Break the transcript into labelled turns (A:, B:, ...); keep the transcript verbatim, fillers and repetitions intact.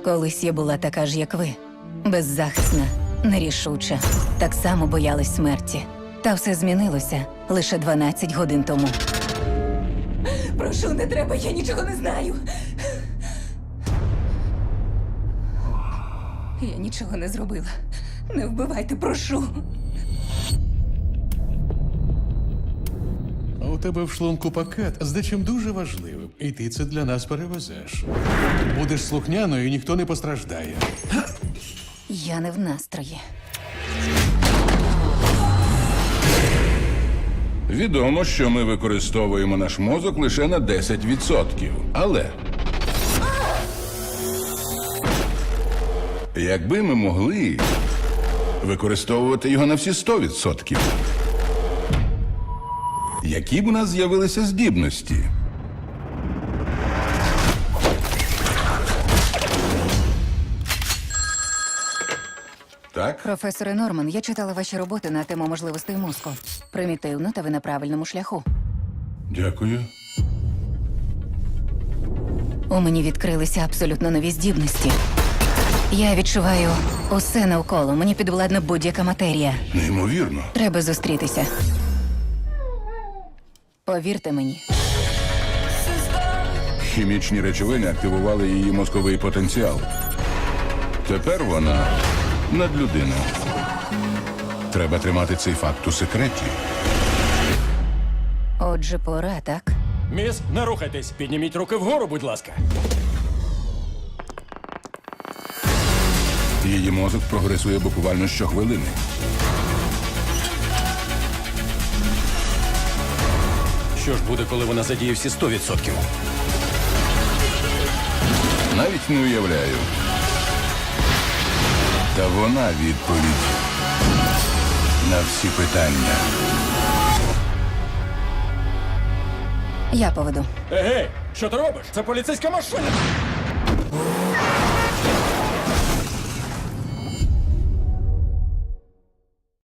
A: Колись я була така ж, як ви. Беззахисна, нерішуча. Так само боялась смерті. Та все змінилося лише дванадцять годин тому. Прошу, не треба, я нічого не знаю. Я нічого не зробила. Не вбивайте, прошу.
B: У тебе в шлунку пакет з дечим дуже важливим, і ти це для нас перевезеш. Будеш слухняною, і ніхто не постраждає.
A: Я не в настрої.
C: Відомо, що ми використовуємо наш мозок лише на десять відсотків. Але якби ми могли використовувати його на всі сто відсотків, які б у нас з'явилися здібності? Так?
A: Професоре Норман, я читала ваші роботи на тему можливостей мозку. Примітивно, та ви на правильному шляху.
C: Дякую.
A: У мені відкрилися абсолютно нові здібності. Я відчуваю усе навколо. Мені підвладна будь-яка матерія.
C: Неймовірно.
A: Треба зустрітися. Повірте мені.
C: Хімічні речовини активували її мозковий потенціал. Тепер вона надлюдина. Треба тримати цей факт у секреті.
A: Отже, пора, так?
D: Міс, не рухайтесь. Підніміть руки вгору, будь ласка.
C: Її мозок прогресує буквально щохвилини.
D: Що ж буде, коли вона задіє всі сто відсотків?
C: Навіть не уявляю. Та вона відповідь на всі питання.
A: Я поведу.
D: Егей, що ти робиш? Це поліцейська машина!